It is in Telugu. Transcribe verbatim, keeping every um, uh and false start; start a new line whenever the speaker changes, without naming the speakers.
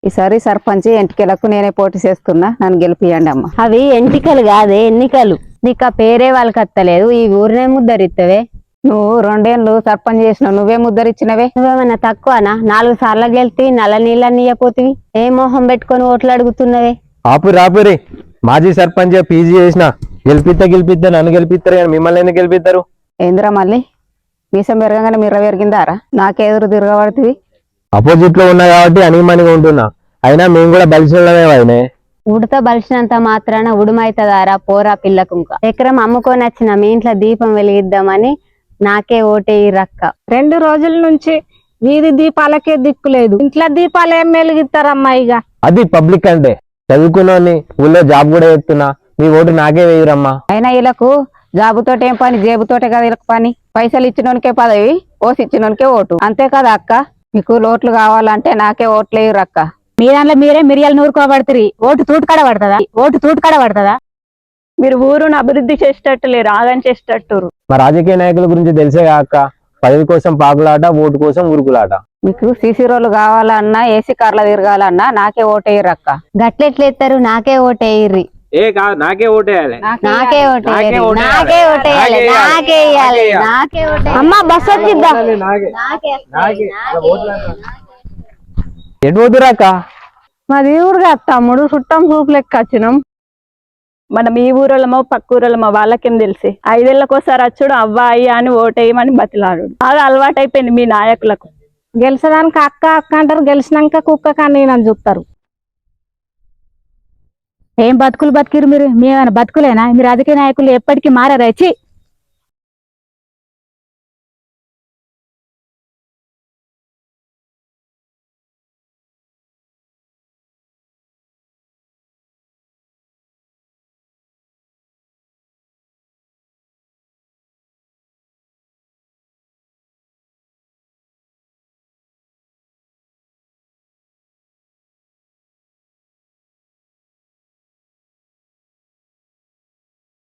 ఈసారి సర్పంచ్ ఎంటికలకు నేనే పోటీ చేస్తున్నా, నన్ను గెలిపియండి అమ్మ.
అవి ఎంటికలు కాదే ఎన్నికలు. నీకు ఆ పేరే వాళ్ళకి అత్తలేదు, ఈ ఊరినే ముద్దరిత్తవే.
నువ్వు రెండేళ్ళు సర్పంచ్ చేసినావు, నువ్వే ముద్దరిచ్చినవే.
నువ్వేమన్నా తక్కువనా? నాలుగు సార్లు గెలిపి నల్ల నీళ్ళని ఇయ్యపోతివి. ఏ మొహం పెట్టుకొని ఓట్లు అడుగుతున్నవే?
ఆపురి ఆపురి మాజీ సర్పంచ్ పీజీ చేసిన గెలిపిస్తా గెలిపిస్తా నన్ను గెలిపిస్తారు కానీ మిమ్మల్ని ఎందుకు గెలిపిస్తారు?
ఏందిరా మళ్ళీ మీసం పెరగగానే మీరు పెరిగిందారా? నాకే ఎదురు తిరగబడుతుంది.
అపోజిట్ లో ఉన్నా కాబట్టి అనిమనిగా ఉంటున్నా, అయినా మేము కూడా బలిసినమే అయినే.
ఉడత బలిసినంత మాత్రాన ఉడుమైతదారా పోరా పిల్లకుంక. ఎకరం అమ్ముకొని వచ్చిన మీ ఇంట్లో దీపం వెలిగిద్దామని నాకే ఓటేయిరక్క.
రెండు రోజుల నుంచి వీధి దీపాలకే దిక్కులేదు, ఇంట్లో దీపాలు ఏం వెలిగిస్తారమ్మా? ఇక
అది పబ్లిక్ అంటే చదువుకున్నోని ఊళ్ళో జాబ్ కూడా చేస్తున్నా, మీ ఓటు నాకే వేయరమ్మా.
అయినా వీళ్ళకు జాబుతోటి ఏం పని, జేబుతోటే కదా వీళ్ళకి పని. పైసలు ఇచ్చినోనికే పదవి, ఓసి ఇచ్చినోనికే ఓటు, అంతే కదా అక్క? మీకు ఓట్లు కావాలంటే నాకే ఓట్లు వేయరక్క.
మీ దాంట్లో మీరే మిరియాలు నూరుకోబడుతుంది, ఓటు తూటుకడ పడుతుందా? ఓటు తూటుకడ పడుతుందా?
మీరు ఊరును అభివృద్ధి చేసేటట్టు లేరు, ఆగం చేసేటట్టు.
మా రాజకీయ నాయకుల గురించి తెలిసే కాక పదవి కోసం పాకులాట, ఓటు కోసం ఉరుకులాట.
మీకు సీసీ రోడ్లు కావాలన్నా, ఏసీ కార్ల తిరగాలన్నా నాకే ఓటేయరక్క.
గట్లెట్లేస్తారు? నాకే ఓటేయిర్రి.
ఏ కాదు నాకే ఓటేయాలి,
నాకే ఓటేయాలి, నాకే ఓటేయాలి, నాకే వేయాలి, నాకే ఓటేయాలి.
అమ్మా బస్ వచ్చిద్దా?
ఎటు పోతురాక?
మాది ఊరుగా తమ్ముడు, చుట్టం చూపు లెక్క వచ్చినాం.
మనం ఈ ఊరోళ్ళమో పక్క ఊరోళ్ళమో వాళ్ళకేం తెలిసి, ఐదేళ్లకోసారి వచ్చుడు అవ్వ అయ్యా అని ఓటేయమని బతిలాడు. అది అలవాటైపోయింది మీ నాయకులకు.
గెలిచడానికి అక్క అక్క అంటారు, గెలిచినాక కుక్క కానీ నన్ను చూస్తారు. ఏం బతుకులు బతికిరు మీరు? మేమైనా బతుకులేనా? మీ రాజకీయ నాయకులు ఎప్పటికీ మారారు. వచ్చి